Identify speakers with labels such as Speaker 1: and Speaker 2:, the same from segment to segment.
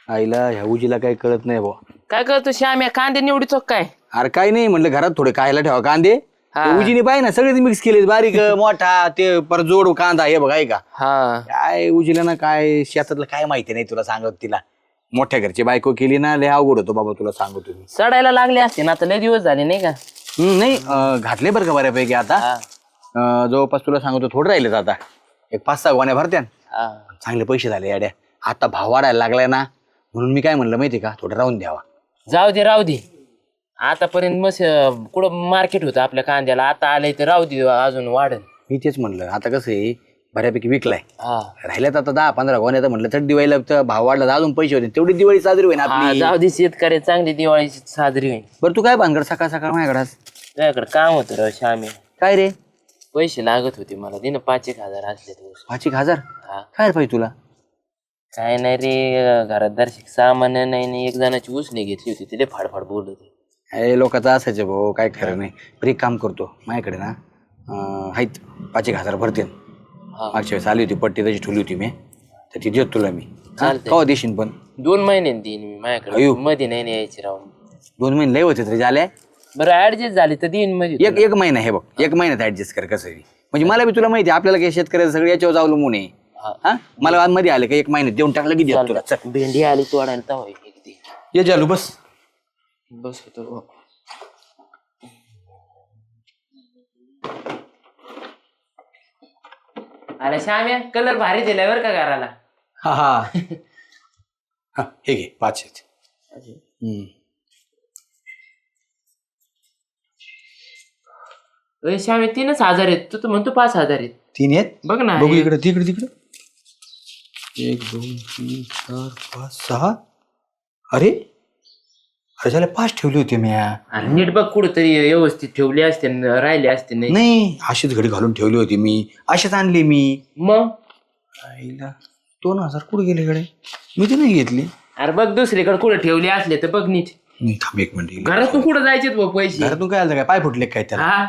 Speaker 1: आईला ह्या उजीला काही कळत नाही भाऊ.
Speaker 2: काय करतो श्याम्या कांदे निवडीतो काय?
Speaker 1: अरे काही नाही म्हणलं घरात थोडे खायला ठेवा कांदे. ते उजीने पाहिजे ना सगळेच मिक्स केले बारीक मोठा ते पर जोड कांदा हे बघ आहे का.
Speaker 2: हा
Speaker 1: काय उजीला ना काय शेतातलं काय माहिती नाही तुला सांगत तिला. मोठ्या घरची बायको केली ना लय अवघड होतो बाबा तुला सांगतो मी.
Speaker 2: सडायला लागले असते ना आता लय दिवस झाले नाही का?
Speaker 1: नाही घातले बरं का बऱ्यापैकी आता. जवळपास तुला सांगतो थोडं राहिलेत आता. एक 5-6 गोण्या भरत्या चांगले पैसे झाले याड्या. आता भाव वाढायला लागलाय ना म्हणून मी काय म्हणलं माहितीये का थोडं राहून द्यावा.
Speaker 2: राहू दे आतापर्यंत मस्त कुठं मार्केट होतं आपल्या कांद्याला, आता आलंय तर राहू दे अजून वाढेल.
Speaker 1: मी तेच म्हणलं आता कसं आहे बऱ्यापैकी विकलाय
Speaker 2: हा
Speaker 1: राहिल्यात आता 10-15 गोण्या तर म्हणलं तर दिवाळीला तर भाव वाढला तर अजून पैसे होते तेवढी दिवाळी साजरी होईल आपली.
Speaker 2: जाऊ दे शेतकरी चांगली दिवाळी साजरी होईल.
Speaker 1: बरं तू काय भानगड सकाळ सकाळ माझ्याकडे
Speaker 2: तुझ्याकडे काम होतं राव श्याम्या.
Speaker 1: काय रे?
Speaker 2: पैसे लागत होते मला दिन 5,000 असले दिवस.
Speaker 1: 5,000
Speaker 2: हा
Speaker 1: काय पाहिजे तुला?
Speaker 2: काय नाही रे घरात दर्शक सामान नाही एक जणाची उसने घेतली होती तिथे फाडफाड बोलत होते.
Speaker 1: हे लोकांचं असायचं भाऊ काय खरं नाही. बरं एक काम करतो माझ्याकडे ना आहेत 5,000 भरते. मागच्या वेळेस आली होती पट्टी तशी ठेवली होती मी तर ती देत तुला मी. कवा देशील पण?
Speaker 2: 2 महिने देईन मी माझ्याकडे मध्ये नाही यायची राहून.
Speaker 1: 2 महिने लय होते तरी झाले.
Speaker 2: बरं ऍडजस्ट झाली तर देईन मध्ये.
Speaker 1: एक महिना हे बघ 1 महिन्यात ऍडजस्ट कर कसं म्हणजे मला बी तुला माहिती आहे आपल्याला काही शेतकऱ्याचं सगळं याच्यावर अवलंबून आहे. हा मला मध्ये आले का 1 महिन्यात देऊन टाकलं की देत तुला. चल
Speaker 2: भेंडी आली तोडायला तवा
Speaker 1: ये चालू बस
Speaker 2: बस होतो. अरे श्याम्या कलर भारी दिलाय बरं का घराला.
Speaker 1: हा हा हे घे 5 आहेत.
Speaker 2: श्याम्या 3,000 आहेत तू तर म्हणतो 5,000 आहेत.
Speaker 1: 3 आहेत
Speaker 2: बघ ना
Speaker 1: बघू इकडे तिकडे 1 2 3 4 5 6. अरे अरे झाले 5 ठेवले होते मी.
Speaker 2: नीट बघ कुठंतरी व्यवस्थित ठेवले असते राहिले असते
Speaker 1: नाही अशीच घडी घालून ठेवली होती मी अशीच आणली मी.
Speaker 2: मग
Speaker 1: आईला 2,000 कुठे गेले कडे मी ते नाही घेतली.
Speaker 2: अरे बघ दुसरीकडे कुठे ठेवले असले तर बघ नीट.
Speaker 1: थांब 1 मिनिट
Speaker 2: घरातून कुठं जायचे पैसे?
Speaker 1: घरातून काय आलं काय पाय फुटले काय त्याला?
Speaker 2: हा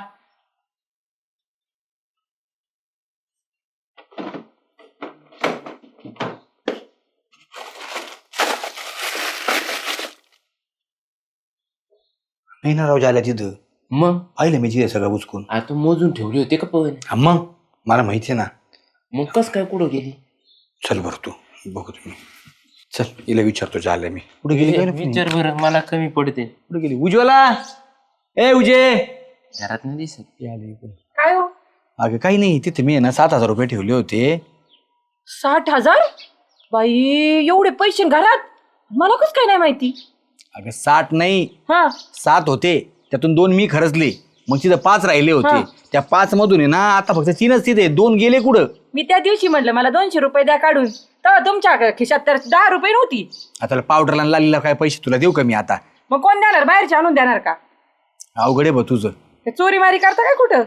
Speaker 1: नाही ना राव झाल्या तिथं.
Speaker 2: मग
Speaker 1: पाहिलं मी तिथे सगळं उचकून.
Speaker 2: आता मोजून ठेवली होते का पण?
Speaker 1: मग मला माहिती आहे ना.
Speaker 2: मग कस काय कुठं गेली?
Speaker 1: चल बरं तू बघू तुम्ही चल हिला विचारतो झालं मी कुठे गेली काय
Speaker 2: विचार बरं मला कमी पडते.
Speaker 1: कुठे गेली उज्ज्वला? ए उजे
Speaker 2: घरात नाही दिसत.
Speaker 3: काय हो?
Speaker 1: अगं काही नाही तिथे मी आहे ना 7,000 रुपये ठेवले होते.
Speaker 3: 60,000? बाई एवढे पैसे घरात मला कस काय नाही माहिती.
Speaker 1: अगं 60 नाही
Speaker 3: हा
Speaker 1: 7 होते त्यातून 2 मी खर्चले मग तिथं 5 राहिले होते. त्या 5 मधून आहे ना आता फक्त 3च तिथे 2 गेले कुठं.
Speaker 3: मी त्या दिवशी म्हटलं मला 200 रुपये द्या काढून तर तुमच्या खिशात तर 10 रुपये नव्हती.
Speaker 1: आता पावडरला लालीला काय पैसे तुला देऊ का मी आता?
Speaker 3: मग कोण देणार? बाहेरचे आणून देणार का?
Speaker 1: अवघड आहे बा तुझं.
Speaker 3: चोरी मारी करता काय कुठं?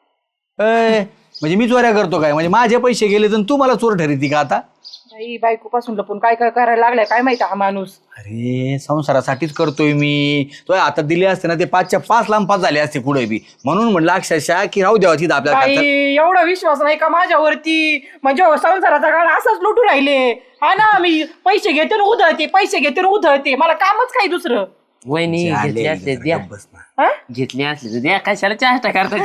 Speaker 1: म्हणजे मी चोऱ्या करतो काय? म्हणजे माझे पैसे गेले तर तू मला चोर ठरती का आता?
Speaker 3: बाई बायको पासून लपून काय काय करायला लागलाय काय माहिती हा माणूस.
Speaker 1: अरे संसारासाठीच करतोय मी. तो आता दिले असते ना ते 5च्या 5 लांब 5 झाले असते कुठे बी म्हणून म्हटलं अक्षरशः की राहू द्यावा तिथं आपल्याला.
Speaker 3: बाई एवढा विश्वास नाही का माझ्यावरती? म्हणजे संसाराचा काळ असाच लुटू राहिले. हा ना मी पैसे घेते आणि उधळते पैसे घेते आणि उधळते मला कामच काय दुसरं.
Speaker 2: वहिनी घेतले असले द्या.
Speaker 3: हा?
Speaker 2: घेतले असले तर द्या कशाला चेष्टा करता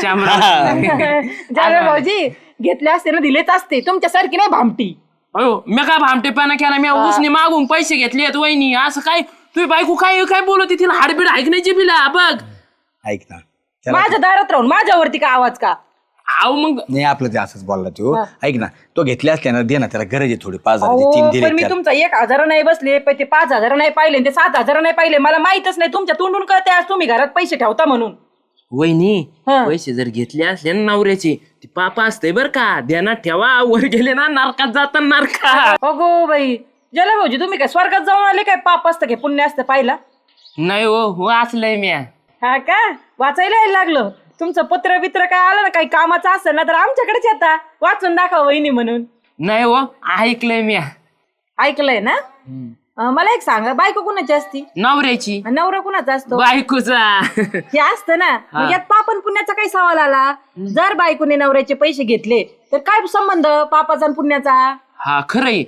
Speaker 3: जाणार भाऊजी घेतले असते ना दिलेच असते तुमच्यासारखी नाही भामटी.
Speaker 2: अयो मी काय भामटेपणा केला? मी उसने मागून पैसे घेतले वहिनी असं काय? तुझी बायको काय काय बोलते? तिला हाडबीड ऐकण्याची बिला बघ.
Speaker 1: ऐक ना
Speaker 3: माझ्या दारात राहून माझ्यावरती का आवाज का?
Speaker 2: आव मग
Speaker 1: नाही आपलं ते असंच बोलला तो. ऐक ना तो घेतले असले ना दे ना त्याला गरज आहे थोडी 5,000 3
Speaker 3: पण
Speaker 1: दिले
Speaker 3: मी तुमचा 1,000 नाही बसले पण ते 5,000 नाही पाहिले ते 7,000 नाही पाहिले. मला माहितच नाही तुमच्या तोंडून कळते आज तुम्ही घरात पैसे ठेवता म्हणून.
Speaker 2: वहिनी
Speaker 3: हा.
Speaker 2: पैसे जर घेतले असले ना नवऱ्याचे ती पापा असते बर का ध्यानात ठेवा. वर गेले ना नरकात जातात नरकात.
Speaker 3: अगो बाई जला भाऊजी तुम्ही काय स्वर्गात जाऊन आले काय? पाप असतं काय पुण्य असतं पाहिला?
Speaker 2: नाही हो असलंय मी.
Speaker 3: हा का वाचायला यायला लागलं? तुमचं पत्र बित्र काय आलं ना काही कामाचं असेल ना तर आमच्याकडेच येता वाचून दाखवा वहिनी म्हणून.
Speaker 2: नाही हो ऐकलंय मी.
Speaker 3: ऐकलंय ना? मला एक सांगा बायको कुणाची असती?
Speaker 2: नवऱ्याची.
Speaker 3: नवरा कुणाचा असतो?
Speaker 2: बायकोचा.
Speaker 3: हे असतं ना मग यात पापन पुण्याचा काही सवाल आला? जर बायकोने नवऱ्याचे पैसे घेतले तर काय संबंध पापाचा आणि पुण्याचा?
Speaker 2: हा खरंय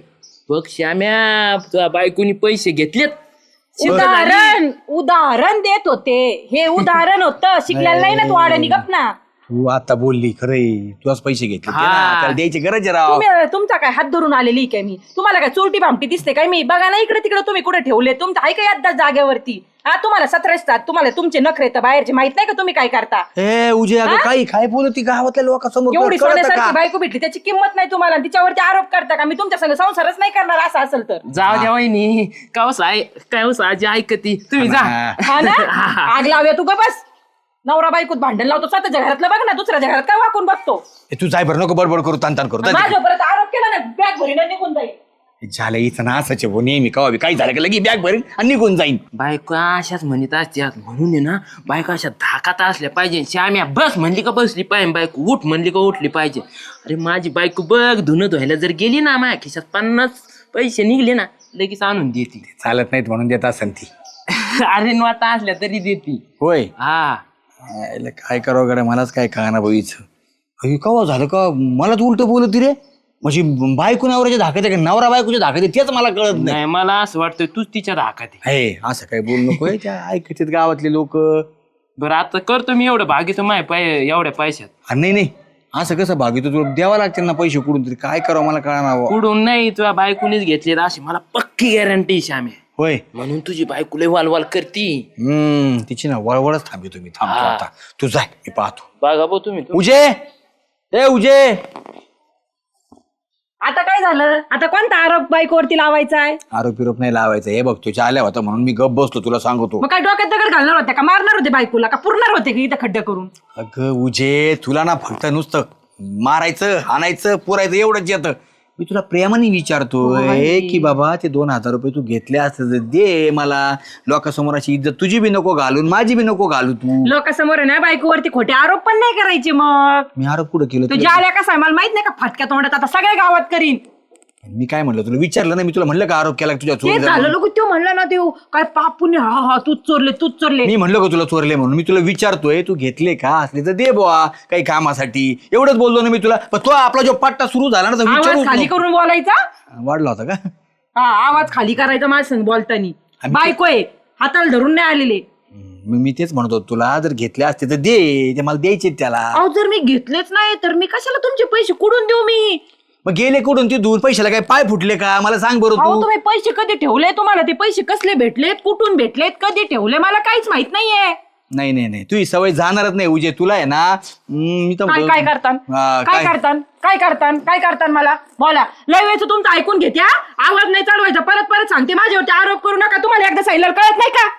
Speaker 2: बघ श्याम्या तुझ्या बायकोनी पैसे घेतलेत सिद्ध झाली.
Speaker 3: उदाहरण देत होते, हे उदाहरण होतं. शिकलेलं नाही ना तू आड्यानी गप ना.
Speaker 1: तू आता बोलली खरंय, तुझाच पैसे घेतले ते ना,
Speaker 2: हा.
Speaker 1: त्याला द्यायची गरज आहे राव.
Speaker 3: तुम्ही तुमचा काय हात धरून आलेली काय मी? तुम्हाला काय चोरटी भामटी दिसते काय मी? बघा ना इकडे तिकडे तुम्ही कुठे ठेवले. तुमचं आहे काय आता जागेवरती? हा, तुम्हाला 17 असतात, तुम्हाला तुमचे नखरे तर बाहेरचे माहित नाही का तुम्ही काय करता?
Speaker 1: ए उजे अगं काही काय बोलती गावातल्या लोकांसमोर
Speaker 3: एवढी
Speaker 1: कळतं
Speaker 3: सोन्यासारखी
Speaker 1: का?
Speaker 3: बायको भेटली त्याची किंमत नाही तुम्हाला, आणि तिच्यावरती आरोप करता का मी तुमच्या संग संसारच नाही करणार असं असेल तर?
Speaker 2: जाऊ द्या वहिनी काय आजी ऐकती तुम्ही जा.
Speaker 3: हा ना, आग लावूया तू ग बस. नवरा बायकोत भांडण लावतो, स्वतःच्या घरातलं बघ ना, दुसऱ्याच्या घरात काय वाकून बघतो?
Speaker 1: ए, तू जाय बरं, नको बडबड करू, ताण करू.
Speaker 3: माझ्या परत आरोप केला ना, बॅग भरीन आणि निघून जाईल.
Speaker 1: झालं इथं ना असंच आहे, नेहमी कवा काही झालं का लगी बॅग भरेन आणि निघून जाईन.
Speaker 2: बायको अशाच म्हणत असतात म्हणून आहे ना, बायको अशा धाकात असल्या पाहिजे. श्याम्या बस म्हणली का बसली पाहिजे, बायको उठ म्हणली का उठली पाहिजे. अरे माझी बायको बघ धुणं धुवायला जर गेली ना, माझ्या खिशात 50 पैसे निघले ना लगेच आणून देते.
Speaker 1: चालत नाहीत म्हणून देत असेल ती.
Speaker 2: अरे नोटा असल्या तरी देते.
Speaker 1: होय,
Speaker 2: हा
Speaker 1: यायला काय करावं गड्या, मलाच काय कळना बाईचं. कवा झालं का मलाच उलट बोलत रे, म्हणजे बायको नवऱ्याच्या धाकात आहे का नवरा बायकोच्या धाकात आहे तेच मला कळत नाही.
Speaker 2: नाही मला असं वाटतं तूच तिच्या धाकात आहे.
Speaker 1: हे असं काय बोलू नको, ऐकतात गावातले लोक.
Speaker 2: बरं आता करतो मी एवढं भागीतो एवढ्या पैशात.
Speaker 1: नाही असं कसं भागितो, तुला द्यावा लागते ना पैसे कुठून तरी, काय करावं मला कळणार.
Speaker 2: कुठून नाही तुझ्या बायकोनीच घेतले अशी मला पक्की गॅरंटी श्याम्या.
Speaker 1: होय,
Speaker 2: म्हणून तुझी बायको लय वालवाल करती.
Speaker 1: तिची ना वळवळच थांबी तुम्ही थांबतो आता. तू जाय, मी पाहतो.
Speaker 2: बघा बो तुम्ही
Speaker 1: उजे, ए उजे,
Speaker 3: आता काय झालं? आता कोणता आरोप बायकोवरती लावायचा आहे?
Speaker 1: आरोप नाही लावायचं. हे बघ तुझ्या आल्या होता म्हणून मी गप बसलो, तुला सांगतो.
Speaker 3: मग काय डोक्यात दगड घालणार होते का? मारणार होते बायकोला का? पुरणार होते की इथं खड्डे करून?
Speaker 1: अगं उजे, तुला ना फक्त नुसतं मारायचं हाणायचं पुरायचं एवढंच येतं. मी तुला प्रेमाने विचारतोय की बाबा ते 2000 रुपये तू घेतले असते तर दे मला. लोकांसमोर अशी इज्जत तुझी बी नको घालून माझी बी नको घालू. तू
Speaker 3: लोकांसमोर आहे ना बायकोवरती खोटे आरोप पण नाही करायचे. मग
Speaker 1: मी आरोप कुठं केलं
Speaker 3: तुझ्या आल्या कसा आहे मला माहित नाही का? फटक्या तोंडात आता सगळ्या गावात करीन.
Speaker 1: मी काय म्हणलं तुला विचारलं नाही, मी तुला म्हणलं का आरोप केला तुझ्या
Speaker 3: ते
Speaker 1: चोरी
Speaker 3: झालं लोक तो म्हणला ना ते काय पापून हा तूच चोरले.
Speaker 1: मी म्हणलं का तुला चोरले म्हणून. मी तुला विचारतोय तू घेतले का, असले तर दे बुवा काही कामासाठी. एवढंच बोललो ना मी तुला. पण तो आपला जो पट्टा सुरू झाला ना तर
Speaker 3: आवाज
Speaker 1: विचारूच
Speaker 3: खाली
Speaker 1: नको.
Speaker 3: करून बोलायचा.
Speaker 1: वाढला होता का?
Speaker 3: हा, आवाज खाली करायचा माझ्या संग बोलतानी. बायको आहे, हाताला धरून नाही आलेले.
Speaker 1: मी तेच म्हणतो तुला, जर घेतले असते तर दे, ते मला द्यायचे त्याला.
Speaker 3: अहो जर मी घेतलेच नाही तर मी कशाला तुमचे पैसे कुठून देऊ? मी
Speaker 1: मग गेले कुठून ते दूर पैशाला काय पाय फुटले का मला सांग बरं
Speaker 3: अहो
Speaker 1: तू.
Speaker 3: तुम्ही पैसे कधी ठेवले? तुम्हाला ते पैसे कसले भेटलेत, कुठून भेटलेत, कधी ठेवले मला काहीच माहित नाहीये.
Speaker 1: नाही तुझी सवय जाणारच नाही उजे. तुला आहे ना मी तर
Speaker 3: काय करतान काय करतान मला बोला. लय वेळचं तुमचं ऐकून घेते. आवाज नाही चढवायचा. परत सांगते माझ्यावरती आरोप करू नका. तुम्हाला एकदा सांगितलं कळत नाही का?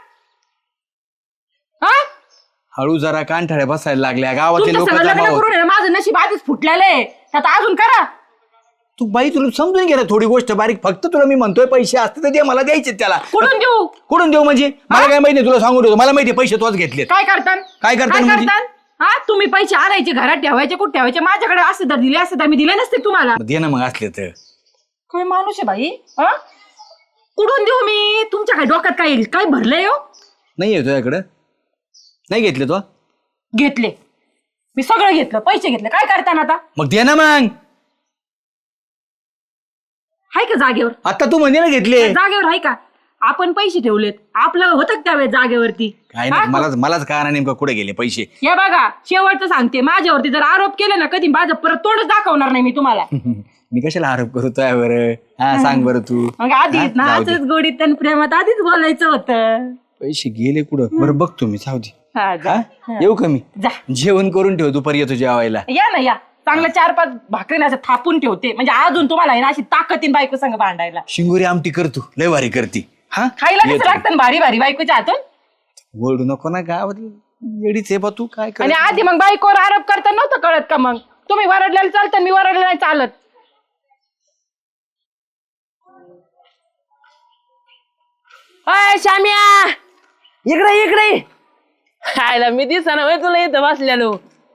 Speaker 1: हळू जरा कानठाळ्या बसायला लागल्या गावातले
Speaker 3: तुमचं
Speaker 1: लोक.
Speaker 3: सगळं लग्न करून आहे ना, माझं नशीब आधीच फुटलेलं आहे. आता अजून करा.
Speaker 1: तू बाई तुला समजून घे ना थोडी गोष्ट बारीक. फक्त तुला मी म्हणतोय पैसे असते तर दे मला द्यायचे त्याला. कुठून देऊ म्हणजे मला काय माहिती, तुला सांगू देतो मला माहिती पैसे तोच घेतले.
Speaker 3: काय करतान
Speaker 1: म्हणजे?
Speaker 3: हा, तुम्ही पैसे आणायचे घरात ठेवायचे, कुठे ठेवायचे? माझ्याकडे असते तर दिले असते तर मी दिले नसते तुम्हाला.
Speaker 1: दे ना मग असले तर.
Speaker 3: काय माणूस आहे बाई. कुठून देऊ मी? तुमच्या काय डोक्यात काय भरलंय हो?
Speaker 1: नाही तुझ्याकडं नाही घेतले तो?
Speaker 3: घेतले मी, सगळं घेतलं, पैसे घेतले. काय करताना आता?
Speaker 1: मग दे ना मग.
Speaker 3: आहे का जागेवर?
Speaker 1: आता तू म्हणजे ना घेतले.
Speaker 3: जागेवर आहे का? आपण पैसे ठेवलेत, आपलं होतं त्यावेळेस जागेवरती.
Speaker 1: काय नाही मलाच कळणार नेमकं कुठे गेले पैसे.
Speaker 3: हे बघा शेवटचं सांगते, माझ्यावरती जर आरोप केले ना कधी माझं परत तोंडच दाखवणार नाही मी तुम्हाला.
Speaker 1: मी कशाला आरोप करू तुझ्यावर? हा सांग बरं तू.
Speaker 3: मग आधीच ना असंच गोडीत आणि प्रेमात आधीच बोलायचं होतं.
Speaker 1: पैसे गेले कुठं बरं बघतो मी. सावधी
Speaker 3: हा, जा.
Speaker 1: येऊ का मी?
Speaker 3: जा.
Speaker 1: जेवण करून ठेव दुपारी येतो जेवायला.
Speaker 3: या ना या. चांगलं 4-5 भाकरी असं थापून ठेवते, म्हणजे अजून तुम्हाला आहे ना अशी ताकदीन बायको संग भांडायला.
Speaker 1: शिंगोरी आमटी करतो लय भारी करती. हा
Speaker 3: खायला कसं लागतं भारी भारी बायकोच्या हातून.
Speaker 1: ओरडू नको ना गावात येडीच आहे बा तू. काय कर
Speaker 3: आणि आधी मग बायकोवर आरोप करता नव्हतं कळत का? मग तुम्ही वरडलेलं चालतं, मी वरडलं नाही चालत.
Speaker 2: अय श्याम्या इकडे खायला मी दिसा ना तुला इथं बसलेलो.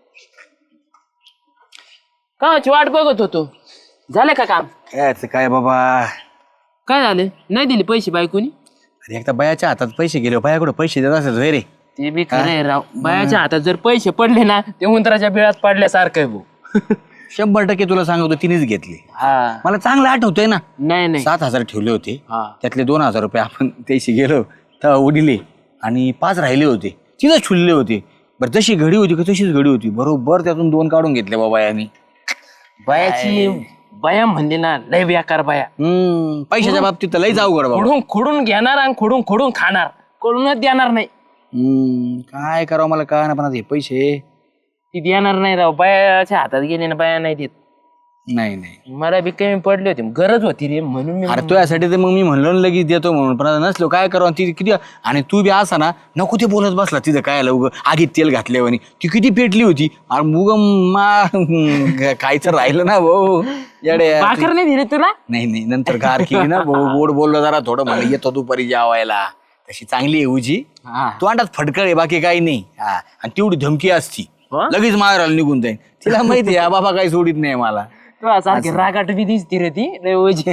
Speaker 2: काची वाट बघत होतो. झालं का काम?
Speaker 1: काय बाबा
Speaker 2: काय झालं? नाही दिले पैसे बायकोनी?
Speaker 1: अरे एकदा बायाच्या हातात पैसे गेले, बाया कुठं पैसे देत असत रे.
Speaker 2: ते बी खरं आहे राव. बायाच्या हातात जर पैसे पडले ना ते उंदराच्या बिळात पडल्यासारखं आहे भाऊ.
Speaker 1: 100% तुला सांगतो तिनेच घेतली.
Speaker 2: हा
Speaker 1: मला चांगलं आठवतंय ना.
Speaker 2: नाही नाही
Speaker 1: 7,000 ठेवले होते.
Speaker 2: हा.
Speaker 1: त्यातले 2,000 रुपये आपण त्याशी गेलो तर उडले आणि 5 राहिले होते. तिथंच छुलले होते. बरं जशी घडी होती का तशीच घडी होती. बरोबर त्यातून 2 काढून घेतले बाबा यांनी.
Speaker 2: बायाची बाया म्हणली ना लय बेकार बाया.
Speaker 1: पैशाच्या बाबतीत तर लईच अवघड बाबा.
Speaker 2: खोडून खोडून घेणार आणि खोडून खोडून खाणार, कोणूनच देणार नाही.
Speaker 1: काय करावं मला काय ना पण आता हे पैसे
Speaker 2: ती देणार नाही राव, बायाच्या हातात गेले ना बाया नाही देत.
Speaker 1: नाही
Speaker 2: मला बी कमी पडली होती, गरज होती रे म्हणून मी
Speaker 1: अरे तो यासाठी तर मग मी म्हणलो ना लगेच देतो म्हणून. पण आता नसलो काय करावं ती किती. आणि तू बी असा ना नको ते बोलत बसला तिथं काय उग आगीत तेल घातल्यावानी. ती किती पेटली होती आणि मुग खायचं राहिलं ना भाऊ येड्या.
Speaker 2: भाकर नाही दिली तुला.
Speaker 1: नाही नंतर गार केली ना भाऊ. गोड बोललो जरा थोडं म्हणलं येतो दुपारी जेवायला. तशी चांगली आहे उजी. तू अंडात फडकळ आहे बाकी काही नाही. हा आणि तेवढी धमकी असती लगेच मारायला निघून जाईल. तिला माहिती आहे बाबा काही सोडित नाही मला.
Speaker 2: सारखी रागाट बी दिसती रे ती लय ओझी.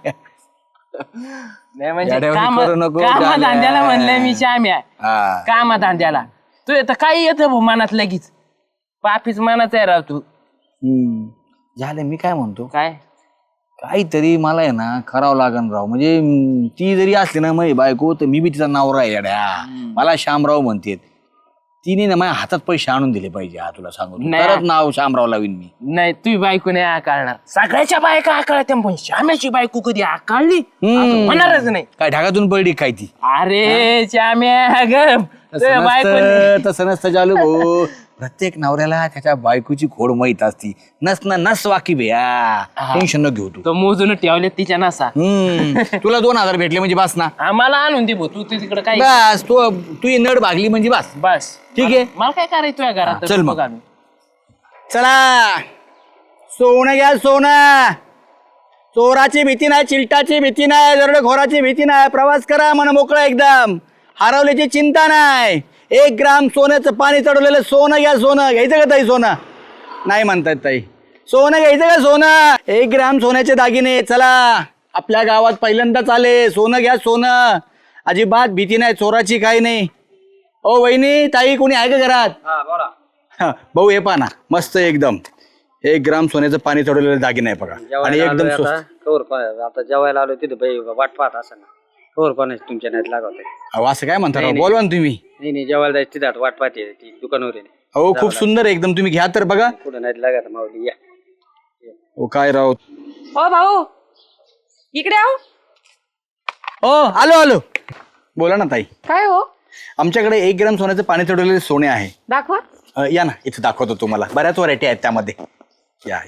Speaker 2: नाही म्हणजे
Speaker 1: येड्यावानी करू नको,
Speaker 2: कामा
Speaker 1: झाल्या.
Speaker 2: धंद्याला म्हणलंय मी श्याम्या.
Speaker 1: हा.
Speaker 2: कामा धंद्याला तू येतं काही येतं भाऊ मनात लगेच. पापीच मनाच आहे राव तू.
Speaker 1: झालं मी काय म्हणतो
Speaker 2: काय
Speaker 1: काहीतरी मला आहे ना करावं लागन राव. म्हणजे ती जरी असली ना माझी बायको तर मी बी तिचा नवरा आहे येड्या. मला श्यामराव म्हणते. तिने ना माझ्या हातात पैसे आणून दिले पाहिजे. हा तुला सांगू
Speaker 2: नाही.
Speaker 1: परत नाव श्यामराव लावीन मी.
Speaker 2: नाही तुझी बायको नाही आकाळणार. सगळ्याच्या बायका आकाळत्या पण श्याम्याची बायको कधी आकाळली असं होणारच नाही.
Speaker 1: काय ढगातून पडली काय ती.
Speaker 2: अरे श्याम्या ग बायको
Speaker 1: तसं नसतं चालू भाऊ. प्रत्येक नवऱ्याला त्याच्या बायकोची खोड माहित असती. नस वाकी भैया टेन्शन न घेऊ तू.
Speaker 2: तो मोजून ठेवले तिच्या नसा.
Speaker 1: तुला 2,000 भेटले म्हणजे बस ना.
Speaker 2: आम्हाला आणून दे भाऊ, तू तिकडे काय
Speaker 1: बस तू नड भागली म्हणजे बस.
Speaker 2: बस
Speaker 1: ठीक आहे.
Speaker 2: मला काय करायचं तुझ्या घरात.
Speaker 1: चल मग.
Speaker 2: बघ आम्ही.
Speaker 1: चला सोनं घ्या सोनं. चोराची भीती नाही, चिलटाची भीती नाही, दरोडेखोराची भीती नाही. प्रवास करा मन मोकळा एकदम. हरवल्याची चिंता नाही. 1 ग्राम सोन्याचं पाणी चढवलेलं सोनं घ्या. सोनं घ्यायचं का ताई? सोनं नाही म्हणतायत ताई. सोनं घ्यायचं का सोनं? 1 ग्राम सोन्याचे दागिने. चला आपल्या गावात पहिल्यांदाच आले. सोनं घ्या सोनं. अजिबात भीती नाही चोराची काही नाही. ओ वहिनी ताई कोणी आहे का घरात? हा, भाऊ हे पहा ना मस्त एकदम 1 ग्राम सोन्याचं पाणी चढवलेलं दागिने आहे बघा. आणि एकदम स्वस्त.
Speaker 4: आता जेवायला आलो तिथे बाई वाट पाहत असं ना कवर कोणाच तुमच्या नाहीत लागत.
Speaker 1: अहो असं काय म्हणता राव? बोलवा ना तुम्ही.
Speaker 4: नाही जेवायला जायचं तिथे वाट पाहते ती दुकानवर आहे.
Speaker 1: हो खूप सुंदर आहे एकदम. तुम्ही घ्या तर बघा.
Speaker 4: कुठं नाहीत लागत माऊली या.
Speaker 1: ओ काय राव.
Speaker 3: हो भाऊ इकडे आहो.
Speaker 1: ओ आलो बोला ना ताई.
Speaker 3: काय हो
Speaker 1: आमच्याकडे 1 ग्राम सोन्याचं पाणी चढवलेले सोने आहे.
Speaker 3: दाखवा.
Speaker 1: या ना इथं दाखवतो तुम्हाला. बऱ्याच व्हरायटी आहेत त्यामध्ये. या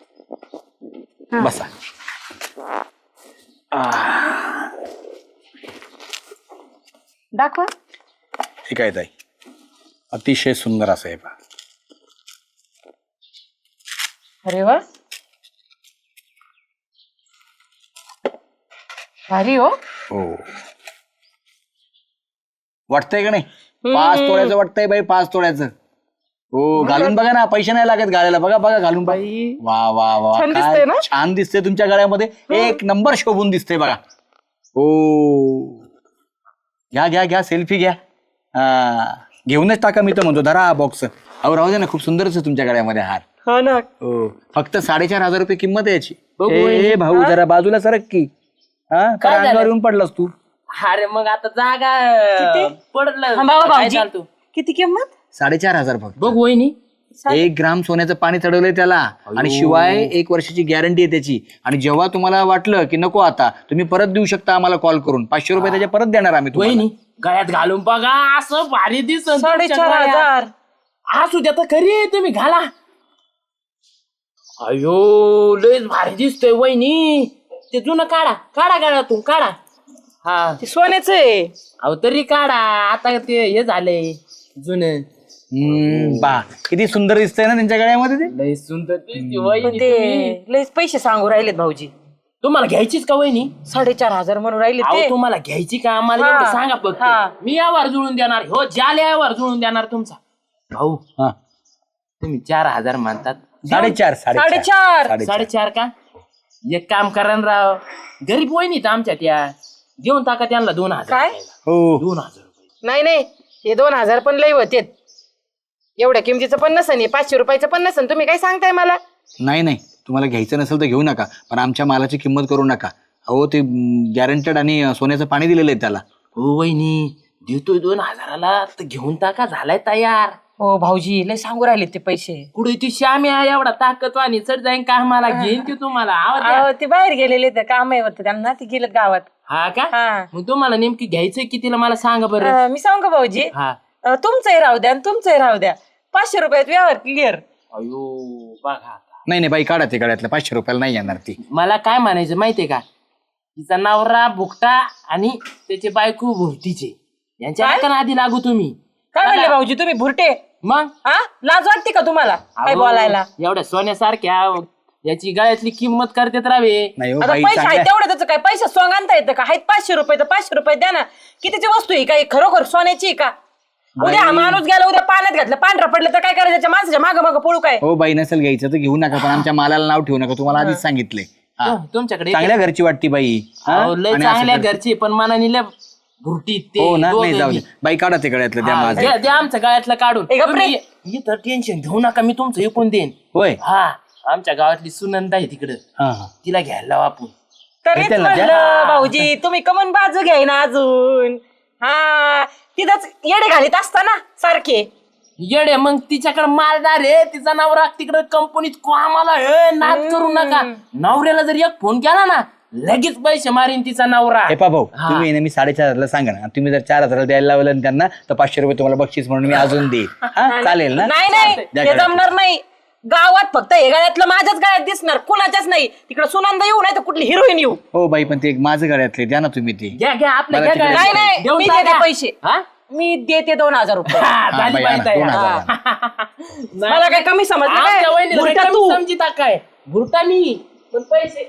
Speaker 1: बसा.
Speaker 3: दाखवा.
Speaker 1: ठीक आहे ताई. अतिशय सुंदर असं आहे पहा.
Speaker 3: अरे वा भारी हो.
Speaker 1: हो वाटतंय का नाही? 5 तोळ्याचं वाटतंय बाई. 5 तोळ्याचं. हो घालून बघा ना. पैसे नाही लागत घालायला. बघा घालून बघा. वा वा वा
Speaker 3: छान
Speaker 1: काय
Speaker 3: दिसतंय ना?
Speaker 1: छान दिसतंय तुमच्या गळ्यामध्ये. 1 नंबर शोभून दिसतंय बघा. हो घ्या सेल्फी घ्या. घेऊनच टाका. मी तर म्हणतो धरा हा बॉक्स. अहो राहू दे ना. खूप सुंदरच आहे तुमच्या गळ्यामध्ये हार.
Speaker 3: हा ना.
Speaker 1: हो फक्त 4,500 रुपये किंमत आहे याची.
Speaker 2: बघू
Speaker 1: ए भाऊ जरा बाजूला सरक की. हा काय अंगावर येऊन पडलास तू.
Speaker 2: अरे मग आता जागा पडलं.
Speaker 3: थांबा हो
Speaker 2: काय
Speaker 3: भाऊजी.
Speaker 2: चालतो?
Speaker 3: किती किंमत?
Speaker 1: 4,500 फक्त.
Speaker 2: बघ वहिनी
Speaker 1: 1 ग्राम सोन्याचं पाणी चढवलंय त्याला. आणि शिवाय 1 वर्षाची गॅरंटी आहे त्याची. आणि जेव्हा तुम्हाला वाटलं की नको आता तुम्ही परत देऊ शकता आम्हाला कॉल करून. 500 रुपये त्याच्या परत देणार आम्ही तुम्हाला.
Speaker 2: वहिनी गळ्यात घालून बघा असं भारी दिसत.
Speaker 3: 4,500.
Speaker 2: असू द्या तर खरी तुम्ही घाला. अयो लयच भारी दिसतोय वहिनी. ते जुनं काढा गळ्यातून काढा. हा
Speaker 3: ते सोन्याचं आहे.
Speaker 2: अहो तरी काढा. आता ते हे झालंय जुनं.
Speaker 1: बा किती सुंदर दिसतंय ना त्यांच्या गळ्यामध्ये ते.
Speaker 2: लय सुंदर दिसते
Speaker 3: पण
Speaker 2: वहिनी.
Speaker 3: ते लयच पैसे सांगू राहिलेत भाऊजी.
Speaker 2: तुम्हाला घ्यायचीच का वहिनी?
Speaker 3: 4,500 म्हणून राहिले
Speaker 2: अहो
Speaker 3: ते.
Speaker 2: तुम्हाला घ्यायची का? आम्हाला
Speaker 3: हा.
Speaker 2: एवढं सांगा फक्त.
Speaker 3: हा.
Speaker 2: मी यावर जुळून देणार. हो ज्याला यावर जुळून देणार तुमचा भाऊ.
Speaker 1: हा.
Speaker 2: तुम्ही 4,000 म्हणतात.
Speaker 1: 4,500
Speaker 2: 4,500 का? एक काम करा ना राव. गरीब वहिनीत आमच्या त्या देऊन टाका त्यांना 2,000.
Speaker 3: काय?
Speaker 1: हो
Speaker 2: 2,000 रुपये.
Speaker 3: नाही हे 2,000 पण लय होते. एवढ्या किमतीचं पण नसन. 500 रुपयाचं पण नसन. तुम्ही काय सांगताय मला?
Speaker 1: नाही नाही, तुम्हाला घ्यायचं नसेल तर घेऊ नका, पण आमच्या मालाची किंमत करू नका. अहो ते गॅरंटेड आणि सोन्याचं पाणी दिलेलं आहे त्याला.
Speaker 2: हो वहिनी, देतोय 2000ला तर घेऊन टाका, झालाय तयार.
Speaker 3: हो भाऊजी लय सांगू राहिले ते पैसे.
Speaker 2: पुढे ती श्यामी आहे एवढा ताकदवानी, चढ जाईन कामाला, घेईन ते तुम्हाला. आवाज द्या.
Speaker 3: अहो, ते बाहेर गेलेले ते काम आहे होतं त्यांना, ते गेलेत गावात.
Speaker 2: हा का?
Speaker 3: हा.
Speaker 2: मग तुम्हाला नेमकी घ्यायचंय कितीला मला सांगा बरं.
Speaker 3: मी सांगू का भाऊजी,
Speaker 2: हा.
Speaker 3: तुमचंही राहू द्या आणि तुमचंही राहू द्या, 500 रुपयात व्यवहार क्लिअर.
Speaker 2: अयो बघा आता.
Speaker 1: नाही नाही बाई, काढा ते गळ्यातलं, 500 रुपयाला नाही येणार ती.
Speaker 2: मला काय म्हणायचं माहितीये का, तिचा नवरा भुकटा आणि त्याची बायको भुरटीचे, यांच्या नका आधी लागू तुम्ही.
Speaker 3: काय म्हणले भाऊजी तुम्ही भुरटे?
Speaker 2: मग
Speaker 3: हा, लाज वाटते का तुम्हाला काय
Speaker 2: अहो,
Speaker 3: बोलायला?
Speaker 2: एवढ्या सोन्यासारख्या याची गळ्यातली किंमत करतेत रावे.
Speaker 1: नाही हो
Speaker 3: आता
Speaker 1: बाई,
Speaker 3: पैसे आहेत
Speaker 1: चांगल्या
Speaker 3: तेवढं, त्याचं काय पैसे सोंग आणता येतं का? आहेत 500 रुपये तर 500 रुपये द्या ना. कितीची वस्तू आहे काय, खरोखर सोन्याची आहे का? उद्या हा माणूस गेला, उद्या पाण्यात घातलं, पांढरा पडलं तर काय करायचं? त्याच्या माणसाच्या मागं मागं पळू काय?
Speaker 1: हो बाई, नसेल घ्यायचं तर घेऊ नका, पण आमच्या मालाला नाव ठेवू नका, तुम्हाला आधीच सांगितलंय. हा.
Speaker 2: तुमच्याकडे
Speaker 1: चांगल्या घरची वाटती बाई. हा?
Speaker 2: अहो, लय
Speaker 1: आणि असं
Speaker 2: चांगल्या
Speaker 1: करते.
Speaker 2: घरची, पण मनाने भुरटी ते
Speaker 1: हो ना,
Speaker 2: दोघं
Speaker 1: नाही जाऊ
Speaker 2: बी.
Speaker 1: दे बाई, काढा ते गळ्यातलं द्या
Speaker 2: हा,
Speaker 1: माझं.
Speaker 2: द्या आमच्या गळ्यातलं काढून.
Speaker 3: ए, गप्प रे.
Speaker 2: तुम्ही इथं टेन्शन घेऊ नका, मी तुमचं ऐकून देईन.
Speaker 1: होय.
Speaker 2: हा, आमच्या गावातली सुनंदा आहे तिकडं,
Speaker 1: हा हा.
Speaker 2: तिला घ्यायला लावू आपण.
Speaker 3: तरीच
Speaker 1: घेताल ना त्या?
Speaker 3: म्हणलं भाऊजी, तुम्ही कमन बाजू घ्याय ना अजून. हा, तिथंच येडे घालीत असताना सारखे.
Speaker 2: येडे मग तिच्याकडे मालदार आहे, तिचा नवरा तिकडे कंपनीत कामाला आहे, नाद करू नका. नवऱ्याला जर एक फोन केला ना, लगेच पैसे मारीन तिचा नवरा.
Speaker 1: हे पा भाऊ, तुम्ही नेहमी 4,500 सांगा ना, तुम्ही जर 4,000 द्यायला लावलं ना त्यांना, तर 500 रुपये तुम्हाला बक्षीस म्हणून मी अजून देईल. हा, चालेल ना?
Speaker 3: नाही नाही,
Speaker 1: द्या
Speaker 3: ते
Speaker 1: गळ्यातलं.
Speaker 3: जमणार नाही. गावात फक्त हे गळ्यातलं माझ्याच गळ्यात दिसणार, कुणाच्याच नाही. तिकडे सुनंदा येऊ नाही तर कुठली हिरोईन येऊ.
Speaker 1: हो बाई, पण ते एक माझं गळ्यातले द्या ना तुम्ही ते.
Speaker 2: घ्या घ्या आपलं
Speaker 1: मला
Speaker 2: घ्या
Speaker 1: तिकडे-
Speaker 2: गळ्यात.
Speaker 3: नाही नाही,
Speaker 2: देऊन
Speaker 3: मी
Speaker 2: टाका.
Speaker 3: देते पैसे.
Speaker 2: हा?
Speaker 3: मी देते 2,000 रुपये.
Speaker 2: हा,
Speaker 1: हा,
Speaker 2: झाली
Speaker 1: बाई,
Speaker 2: बाई
Speaker 1: आणा,
Speaker 2: तयार.
Speaker 1: 2,000.
Speaker 3: मला काय कमी समजलं
Speaker 2: आमच्या
Speaker 3: काय?
Speaker 2: वहिनीला
Speaker 3: भुरटा
Speaker 2: काही
Speaker 3: तू.
Speaker 2: कमी समजिता काय, भुरटा मी पण पैसे.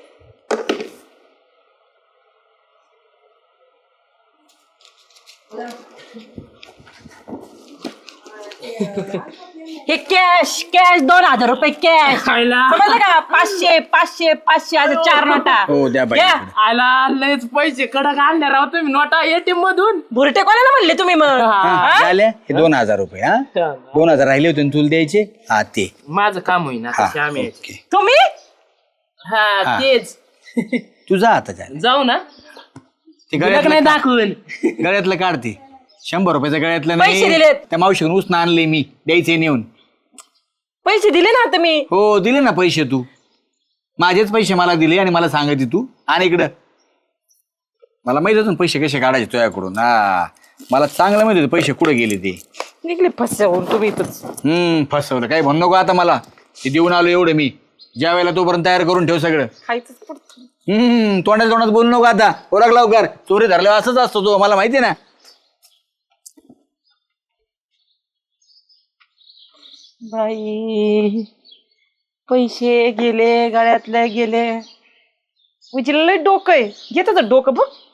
Speaker 3: हे कॅश कॅश 2,000 रुपये कॅश.
Speaker 2: खायला
Speaker 3: समजलं का? 500 500 500 असे 4 नोटा.
Speaker 1: हो द्या बाई.
Speaker 3: घ्या.
Speaker 2: आला लयच पैसे कडक आणले राव तुम्ही नोटा एटीएम मधून.
Speaker 3: भुरटे कोणाला म्हणले तुम्ही मग?
Speaker 1: हा, झाले हे 2,000 रुपये. हा, 2,000 राहिले होते ना तुला द्यायचे. हा ते.
Speaker 2: माझं काम होईना
Speaker 1: हा,
Speaker 2: श्याम आहे.
Speaker 1: ओके.
Speaker 3: तुम्ही
Speaker 2: हा
Speaker 1: हा.
Speaker 2: तेच
Speaker 1: तुझा आता झालं
Speaker 2: जाऊ ना,
Speaker 1: ते
Speaker 2: तुला नाही
Speaker 1: गळ्यातलं
Speaker 2: दाखवून.
Speaker 1: गळ्यातलं काढते. 100 रुपयाचं गळ्यातलं
Speaker 3: पैसे
Speaker 1: नाही,
Speaker 3: दिलेत.
Speaker 1: त्या मावशीकडून उसनं आणले मी, द्यायचे नेऊन.
Speaker 3: पैसे दिले ना तुम्ही?
Speaker 1: हो दिले ना पैसे, तू माझेच पैसे मला दिले आणि मला सांगायचे तू. आणि इकडं मला माहित होतं ना पैसे कसे काढायचे तुझ्याकडून. हा, मला चांगलं माहिती होतं पैसे कुठे गेले ते.
Speaker 3: निघले फसवून तुम्ही इथंच.
Speaker 1: फसवलं काही म्हणू नको आता मला. ते देऊन आलो एवढं मी, ज्या वेळेला तोपर्यंत तयार करून ठेव सगळं.
Speaker 3: खायचंच पडतं.
Speaker 1: तोंडात बोलू नको आता. ओळख लवकर, चोरी धरल्यावर असंच असतो तो, मला माहिती ना.
Speaker 3: बाई पैसे गेले, गळ्यातले गेले. म्हणजे लय डोकं आहे. घेत डोकं बघ.